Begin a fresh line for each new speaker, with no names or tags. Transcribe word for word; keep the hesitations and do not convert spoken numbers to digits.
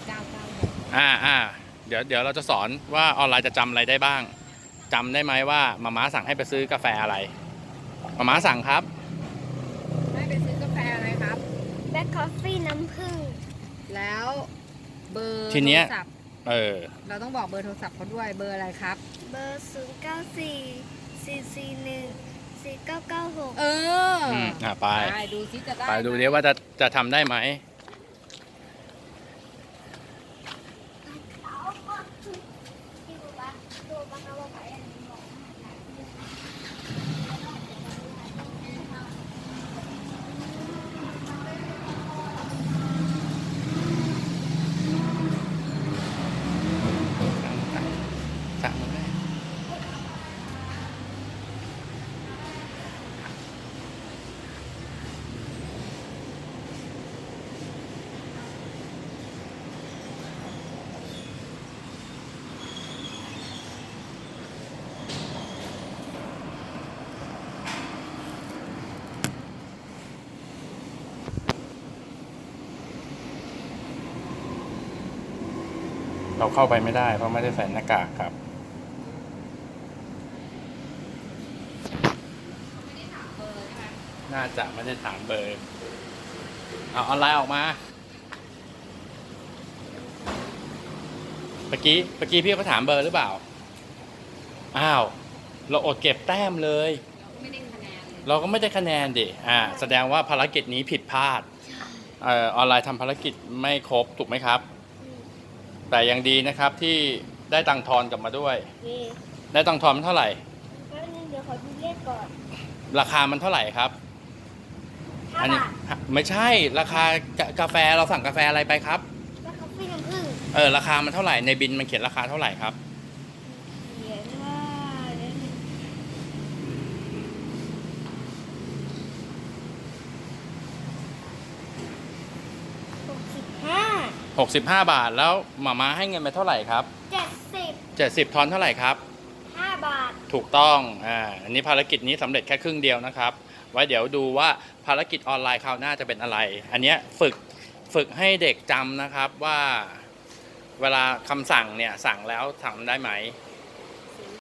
เก้าเก้าหก
อ่าอ่าเดี๋ยวเดี๋ยวเราจะสอนว่าออนไลน์จะจำอะไรได้บ้างจำได้ไหมว่ามาม่าสั่งให้ไปซื้อกาแฟอะไรมาม่าสั่งครับ
ให้ไปซื้อกาแฟอะไรครับ
แบล็คคอฟฟี่น้ำผึ้ง
แล้วเบอร์โท
ทีเนี้ย
รศัพท์
เออ
เราต้องบอกเบอร์โทรศัพท์เขาด้วยเบอร์อะไรครับ
เบอร์ศูนย์เก้าสี่สี่สี่หนึ่งสี่เก้าเก้าหก
เออ
อืมอ่าไป
ไปดูซิจะได้
ไปดูดิว่าจะจะทำได้ไหมสั่งมาได้เราเข้าไปไม่ได้เพราะไม่ได้ใส่หน้ากากครับน่าจะไม่ได้ถามเบอร์เอาออนไลน์ออกมาเมื่อกี้เมื่อกี้พี่เขาถามเบอร์หรือเปล่าอ้าวเราอดเก็บแต้มเลย
ไม่ได้คะแนน
เราก็ไม่ได้คะแนนดิอ่าแสดงว่าภารกิจนี้ผิดพลาดเอ่อออนไลน์ทำภารกิจไม่ครบถูกไหมครับแต่ยังดีนะครับที่ได้ตังค์ทอนกลับมาด้วยได้ตังค์ทอนมันเท่าไหร่
แป๊บนึงเดี๋ยวขอดูเลขก่อน
ราคามันเท่าไหร่ครับ
ห้าบาท
ไม่ใช่ราคากาแฟเราสั่งกาแฟอะไรไปครับ
แบล็คคอฟฟี่น้ำผึ้ง
เออราคามันเท่าไหร่ในบินมันเขียนราคาเท่าไหร่ครับ
เขียนว่าหกสิบห้า
หกสิบห้าบาทแล้วหม่าม้าให้เงินไปเท่าไหร่ครับ
เจ็ดสิบ
เจ็ดสิบทอนเท่าไหร่ครับ
ห้าบาท
ถูกต้องอ่าอันนี้ภารกิจนี้สำเร็จแค่ครึ่งเดียวนะครับไว้เดี๋ยวดูว่าภารกิจออนไลน์คราวหน้าจะเป็นอะไร อันนี้ฝึกฝึกให้เด็กจำนะครับว่าเวลาคำสั่งเนี่ยสั่งแล้วทำได้ไหม